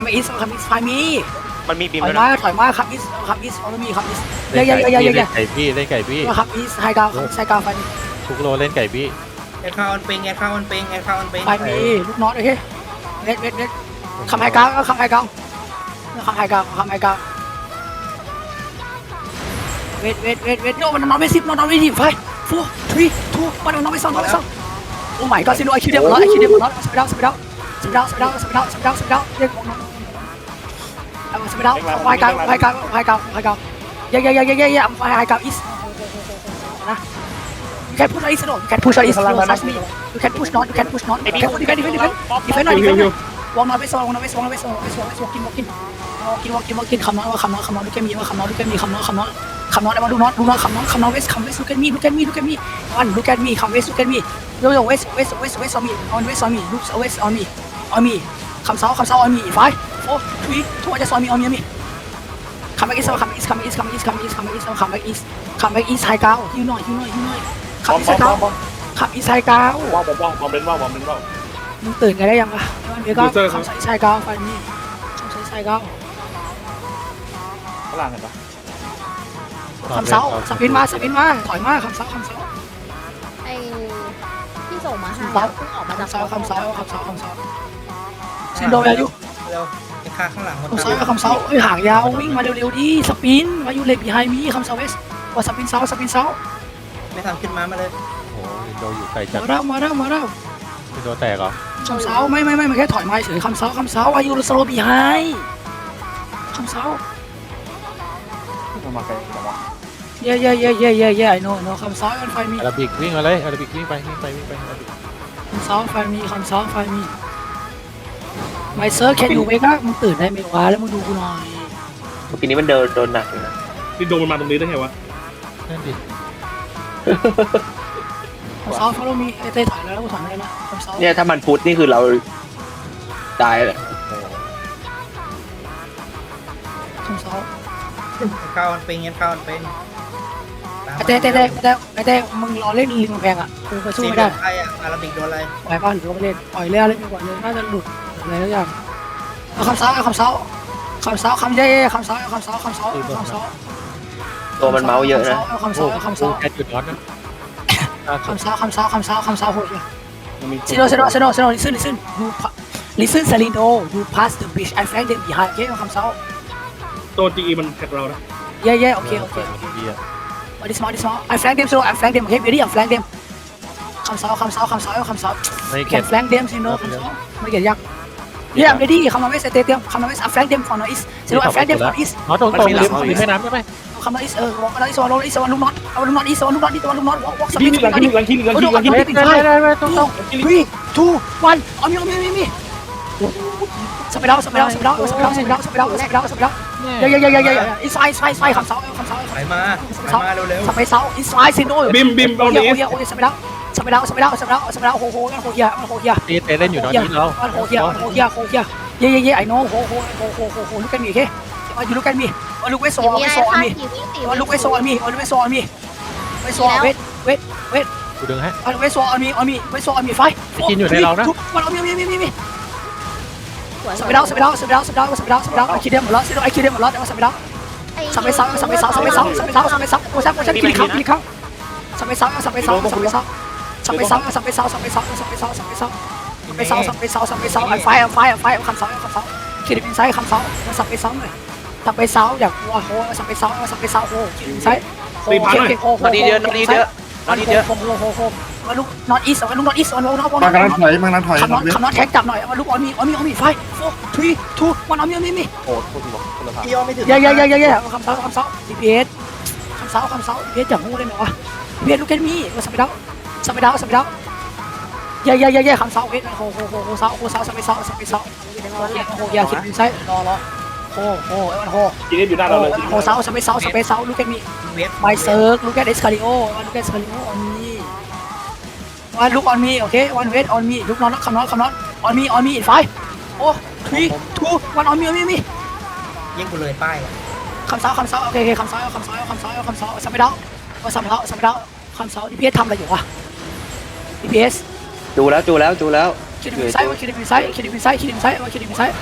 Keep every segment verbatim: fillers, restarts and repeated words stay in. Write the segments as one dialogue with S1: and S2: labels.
S1: มาอีสคัมอีสไฟมี
S2: มันมีบีม
S1: ถอย
S2: แล้ว
S1: มา
S2: นะ
S1: ถอยมาคัมอีสคัมอีสออมีคัมอีส
S3: เล่
S1: เย่
S3: น
S1: เย่
S3: ไก่
S1: เย่
S3: พี่
S1: เย่
S3: เล่นไก่พี่เล่นไก่พี่
S1: คัมอีสไฮกาวไฮกาวไฟมี
S3: ทุกโลเล่นไก่พี่
S4: แอดคาออนปิงแอดคาออนปิงแอดคาออนปิง
S1: ไฟมีลูกน็อตโอเคเวทเวทเวทคัมไฮกาวคัมไฮกาวคัมไฮกาวคัมไฮกาวเวทเวทเวทเวทโน่มันนอนไม่สิบนอนไม่สิบไฟฟูทรีทูมันนอนไม่สองนอนไม่สองโอ้ my god ซิโนไอคิวเดียมร้อยไอคิวเดียมร้อยสเปดาวสเปดาวสเปดาวสเปดาวสเปดาวสเปดาวสเปดาวเรียกของน้องเอาสเปดาวไฟกาวไฟกาวไฟกาวไฟกาวเย่เย่เย่เย่เย่เย่ไฟกาวอีสนะ you can push is no you can push is no touch me you can push not you can push not you can defend defend defend defend หน่อย defend หน่อยวางน้อยไปสองวางน้อยไปสองวางน้อยไปสองวางน้อยไปสองวางกินวางกินกินวางกินวางกินคำน้อยว่าคำน้อยคำน้อยดูแกมีว่าคำน้อยดูแกมีคำน้อยคำน้อยคำน้อยได้มาดูน้อยดูน้อยคำน้อยคำน้อยเวสคำเวสดูแกมีดูแกมีดูแกมีวันดูแกมีคำเวสดูแกมีโยโย่เวสเวสเวสเวสออนมีออนเวสออนมีลูกเวสออนมีออนมีคำเสาคำเสาออนมีไฟโอ้ทุยทุกวันจะสอนมีออนมีมีคำแบ็กอีสคำแบ็กอีสคำแบ็กอีสคำแบ็กอีสคำแบ็กอีสคำแบ็กอีสคำแบ็กอีสคำแบ็กอีสไฮกาวยูหน่อยยูหน่อยยูหน่อยคำอีสไฮกาวคำอีสไฮกาว
S5: ว่าวบอมบอมเป็นว่าวบอมเป็นว่าว
S1: มึงตื่นกันได้ยังวะมันมีก็คำใส่ไส้ก้าวไฟนี่คำใส่ไส้ก้าว
S5: ข้างล่างเห็นปะ
S1: คำเสาสปินมาสปินมาถอยมาคำเสาคำเสา
S6: ไอ้ที่ส่งมาให้
S1: คำเสา
S6: เพิ่งออกมาจาก
S1: คำเสาคำเสาคำเสาคำเสาซินโดแวร์ยู
S4: เร็วแอดคาข้างหลัง
S1: คำเสาคำเสาเอ้ยห่างยาววิ่งมาเร็วๆดิสปินมาอยู่เล็กบีไฮมีคำเสาเวสว่าสปินเสาสปินเสา
S4: ไม่ทำขึ้นมามาเลย
S3: โอ้โหโดอยู่ไกลจัด
S1: มาแล้วมาแล้วมาแล้ว
S3: โดแตกเหรอ
S1: คำเสาไม่ไม่ไม่มันแค่ถอยมาเฉยคำเสาคำเสาอายุสโลบีไฮคำเสา
S5: มันมาไกลจังวะ
S1: เย่เย่เย่เย่เย่เย่ไอโน่โน่คำเสาไฟมี
S3: อาราบิกวิ่งมาเลยอาราบิกวิ่งไปวิ่งไปวิ่งไปอาราบิก
S1: คำเสาไฟมีคำเสาไฟมีไมเซอร์แคนยูเวก้ามึงตื่นได้ไหมวะแล้วมึงดูกูหน่อย
S2: เมื่อกี้นี้มันเดินโดนหนักอยู่นะ
S5: นี่โดนมันมาตรงนี้ได้ไงวะ
S3: นั่นดิ
S1: คำเสาฟอลโล่มีไอเต้ถอยแล้วแล้วกูถอยไม่ได้นะคำเสา
S2: เนี่ยถ้ามันพุทธนี่คือเราตายเลย
S1: คำเสา
S4: แอดคาออนปิงแอดคาออนปิง
S1: ไอเต้เต้เต้เต้ไอเต้มึงรอเล่นลิงแพงอ่ะกูก็สู้
S4: ซี
S1: ไม่
S4: โด
S1: ได้
S4: นใครอ่ะอาราบิกโดนอะไร
S1: ปล่อยป่ะหรือว่าไม่เล่นปล่อยเล่นเล่นดีกว่าเลยน่าจะหลุดอะไรทุกอย่างเอาคำเสาเอาคำเสาคำเสาคำเย่คำเสาคำเสาคำเสาคำเสา
S2: ตัวมันเมาส์เยอะนะ
S1: เอาคำ
S3: โอ้
S1: เสาเอาคำ
S3: โห
S1: เสา
S3: แค่จุดน็อตนะ
S1: คำเสาคำเสาคำเสาคำเสาโหดเลย
S5: มันมี
S1: ซิโนซิโนซิโนซิโน listen listen you listen Salindo you pass the bridge I flank them behind โอเคเอาคำเสา
S5: ตัวจีมันแท็กเรานะ
S1: เย่เย่โอเคโอเคโอเค
S3: ดีอะ
S1: มาดิสมาดิสมา I flank them so I flank them โอเค ready I flank them คำเสาคำเสาคำเสาคำเสา
S3: ไม่
S1: You
S3: เก็บ
S1: can flank them Sino คำเสาไม่เกี่ยยักษ์ Yeah I'm ready คำนองเวสเตเตียมคำนองเวส I flank them ฝั่งนอร์ east Sino I flank them ฝั่ง east
S3: น็อตตรงตรงริมริมแม่น้ำใช่ไหม
S1: คำนอง east เออวอล์กนอร์ east วอล์กนอร์ east วอล์กลูกน็อตเอาลูกน็อต east วอล์กลูกน็อต east วอล์กลูกน็อต walk walk สปี
S5: ที่
S1: ด
S5: หลังที่หลังที่หลังที่หลังที่
S3: ได้ได้ได้ตรงตรง
S1: three two one เอามีเอามีมีมีสเปดเอาสเปดเอาสเปดเอาสเปดเอาสเปดเอาสเปดเอาสเปดเอาสเปดเอาเย่เย่เย่เย่เย่ inside inside inside คำเสาคำเสา
S4: ถอยมาถอยมาเร็ว
S1: สเปดเสา inside Sino
S5: บิมบิม
S1: โอ้
S5: เอา
S1: ย
S5: เนี้
S1: โอ้ยโอ้ยสเปดเอาสเปดเอาสเปดเอาสเปดเอาสเปดเอาโหโหโหเฮียโหเฮีย
S3: ตีเตะเล่นอยู่น็อตนี้เรา
S1: โหเฮียโหเฮียโหเฮียเย่เย่เย่ไอ้น้องโหโหโหโหโหโหลูกกันมีแค่มาอยู่ลูกกันมีมาลูกเวสโซ
S6: มี
S1: เว
S6: อะ
S1: ส
S6: ไร
S1: โซ
S6: ข้าง
S1: มี
S6: กี่วิ่งสี่
S1: มาลูกเวสโซมีมาลูกเวสโซมีเวสโซเวสเวสเวส
S3: กูดึงให้
S1: มาลูกเวสโซมีมีเวสโซมีไฟมันเอามีมีมีมีมีสเปดเอาสเปดเอาสเปดเอาสเปดเอาสเปดเอาสเปดเอาไอ้คิดเดียมหมดแล้วไอ้คิดเดียมหมดแล้วแต่ว่าสเปดเอาสเปดเสาสเปดเสาสเปดเสาสเปดเสาสเปดเสาโอ้ยโอ้ยกินข้าวกินข้าวสเปดเสาสเปดเสาสเปดเสาสเปดเสาสเปดเสาสเปดเสาสเปดเสาสเปดเสาไปเสาสับไปเสาสับไปเสาไอ้ไฟไอ้ไฟไอ้ไฟคำเสาคำเสาคิดเป็นไซส์คำเสาสับไปเสาหน่อยสับไปเสาอยากวัวโหสับไปเสาสับไปเสาโหคิดเป็นไซส์โหโหโห
S2: นอนดีเยอะนอนดีเยอะนอนดีเยอะ
S1: โหโหโหโหมาลูกนอนอีสมาลูกนอนอีสมาลูกนอน
S7: มากำลังถอยมากำลังถอย
S1: คำนอนคำนอนแท็กจับหน่อยมาลูกออนมีออนมีออนมีไฟโฟร์ทรีทูวันออนมีออนมีมี
S5: โอ้โหคนละทาง
S4: ๆพี่ยอมไม่ถึง
S1: เย่เย่เย่เย่เย่คำเสาคำเสาดีพีเอสคำเสาคำเสาดีพีเอสจับงูได้ไหมวะดีพีเอสลูกแกมีสับไปดาวสับไปดาวสับไปดาวเย่เย่เย่เย่คำเสาเวทโหโหโหโหเสาโหเสาสับไปเสาสับไปเสาโหโหอย่าคิดเป็นไซส์รอรอโหโหโห
S5: จีนี่อยู่หน้าเราเลย
S1: โหเสาสับไปเสาสับไปเสาลูกแกมี
S4: เวท
S1: ไมเซิร์กลูกแกเอสคาริโอลูกแกเอสคาริโอออนมีวันลูกออนมีโอเควันเวทออนมีลูกนอนคำนอนคำนอนออนมีออนมีไฟโอ้ทรีทูวันออนมีออนมีมี
S4: ยิงกูเลยป้าย
S1: คำเสาคำเสาโอเคโอเคคำเสาคำเสาคำเสาคำเสาสับไปดาวว่าสับไปดาวสับไปดาวคำเสาดีพีเอสทำอะไรอยู่วะดีพีเอส
S2: ดูแล้วดูแล้วดูแล้ว
S1: คิดดิมิไซว่าคิดดิมิไซคิดดิมิไซคิดดิมิไซว่าคิดดิมิไซค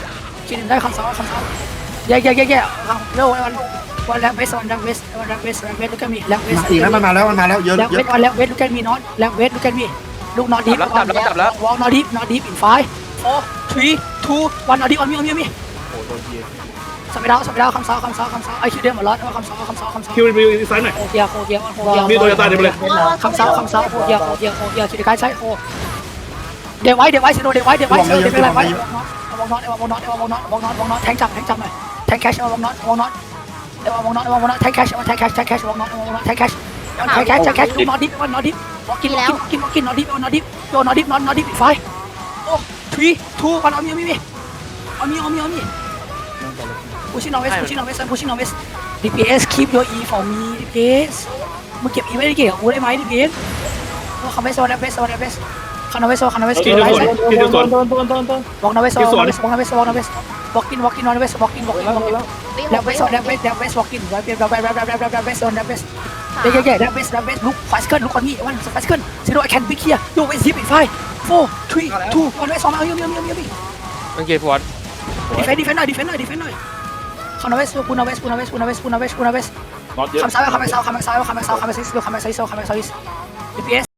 S1: คิดได้คำสองคำสองแย่แย่แย่แย่เร็ววันวันแรงเวสวันแรงเวสวันแรงเวสแรงเวสลูกแกมีแรงเวส
S7: อีกแล้วมันมาแล้วมันมาแล้วเยอะ
S1: แรง
S7: เย
S1: เว
S7: อะ
S1: สวันแรงเวสลูกแกมีนอนแรงเวสลูกแกมีลูกนอนดีวอลนอนดีนอนดีอินไฟโฟร์ทรีทูวันนอนดีวันมีวันมีวันมี
S5: โอ้โดนที
S1: สไปดาวสไปดาวคำสองคำสองคำสองไอคิวเดียหมดแล้วคำสองคำสองคำสอง
S5: คิวรีวิวซ้ายหน่อย
S1: โคเกียโคเกียโคเกีย
S5: มีโตโยต้าเดี๋ยวไปเลย
S1: คำสองคำสองโคเกียโคเกียโคเกียชิดกายใช้โคเดี๋ยวไว้เดี๋ยวไว้สิโนเดี๋ยวไว้เดี๋ยวไว้เดี๋ยวไว้เดี๋ยวไว้วงน็อตวงน็อตวงน็อตวงน็อตวงน็อตแทงจับแทงจับหน่อยแทงแคชวงน็อตวงน็อตเดี๋ยววงน็อตวงน็อตแทงแคชแทงแคชแทงแคชวงน็อตวงน็อตแทงแคชแทงแคชแทงแคชดูน็อตดิฟวันน็อตดิฟกินกินกินกินน็อตดิฟน็อตดิฟโยน็อตดิฟน็อตน็อตดิฟไฟโอ้ทรีทูวันเอามีมีมีเอามีเอามีเอามี pushing on west pushing on west pushing on west ดี พี เอส keep your e for me ดี พี เอส มึงเก็บ e ไว้ได้เก่งกับกูได้ไหม ดี พี เอส คันเวสโซนเวสโซนเวสคันเวสโซคันเวส
S5: คิวจะสวนคิวจะสวน
S1: วอล์กนเวสโซวอล์กนเวสวอล์กนเวสวอล์กนเวส walking walking on west walking walking walking แล้วเวสแล้วเวสแล้วเวส walking แล้วเวสแล้วเวสแล้วเวสแล้วเวสแล้วเวสเย้เย้แล้วเวสแล้วเวสลุกฟาสเกิลลุกคนนี้วันฟาสเกิล zero I can pick here you wait zip in five four three two one west สองเอาเยอะเยอะเยอะเยอะ
S3: โอเคฟอร์ด
S1: defend defend หน่อย defend หน่อย defend หน่อยคันเวสปูนเวสปูนเวสปูนเวสปูนเวสปูนเวส
S5: น็อตเยอะ
S1: คำซ้ายคำซ้ายคำซ้ายคำซ้ายคำซ้ายคำซ้ายคำซ้ายคำซ้ายคำซ้าย ดี พี เอส